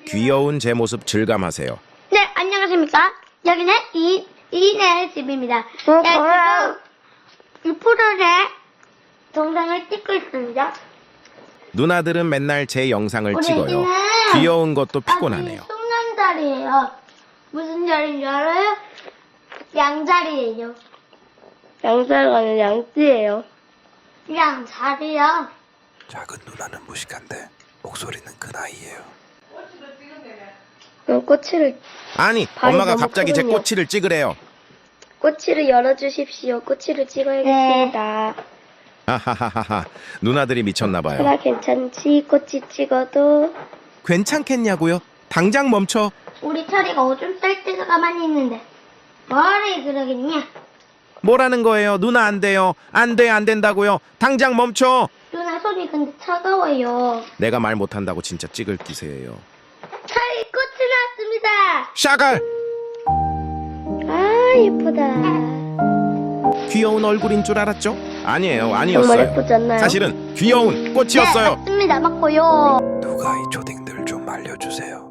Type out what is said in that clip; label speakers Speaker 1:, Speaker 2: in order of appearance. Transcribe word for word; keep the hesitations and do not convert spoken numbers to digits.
Speaker 1: 귀여운 제 모습 질감하세요.
Speaker 2: 네, 안녕하십니까. 여기는 이, 이네 집입니다.
Speaker 3: 어,
Speaker 2: 네,
Speaker 3: 저요.
Speaker 2: 지금 이 프로의 동상을 찍고 있습니다.
Speaker 1: 누나들은 맨날 제 영상을
Speaker 2: 우리
Speaker 1: 찍어요.
Speaker 2: 애기는
Speaker 1: 귀여운 것도 피곤하네요.
Speaker 2: 아직 숭남자리예요. 무슨 자리인 줄 알아요? 양자리예요.
Speaker 3: 양자가 아니라 양띠예요.
Speaker 2: 양자리요.
Speaker 4: 작은 누나는 무식한데 목소리는 큰 아이예요.
Speaker 3: 그럼 꼬치를
Speaker 1: 아니,
Speaker 3: 발이
Speaker 1: 엄마가
Speaker 3: 너무
Speaker 1: 갑자기 제
Speaker 3: 크군요.
Speaker 1: 꼬치를 찍으래요.
Speaker 3: 꼬치를 열어주십시오. 꼬치를 찍어야겠습니다.
Speaker 1: 하하하하하. 누나들이 미쳤나 봐요.
Speaker 3: 하나 괜찮지? 꼬치 찍어도.
Speaker 1: 괜찮겠냐고요? 당장 멈춰.
Speaker 2: 우리 철이가 오줌 쌀 때가 가만히 있는데 뭐를 그러겠냐?
Speaker 1: 뭐라는 거예요? 누나 안 돼요. 안 돼, 안 된다고요. 당장 멈춰.
Speaker 2: 누나 손이 근데 차가워요.
Speaker 1: 내가 말 못한다고 진짜 찍을 기세예요.
Speaker 2: 철이 꽃이 나왔습니다.
Speaker 1: 샤갈!
Speaker 3: 아, 예쁘다.
Speaker 1: 귀여운 얼굴인 줄 알았죠? 아니에요,
Speaker 3: 정말
Speaker 1: 아니었어요.
Speaker 3: 예쁘지 않나요?
Speaker 1: 사실은 귀여운
Speaker 2: 네,
Speaker 1: 꽃이었어요.
Speaker 2: 맞습니다. 맞고요.
Speaker 4: 누가 이 초딩들 좀 알려주세요.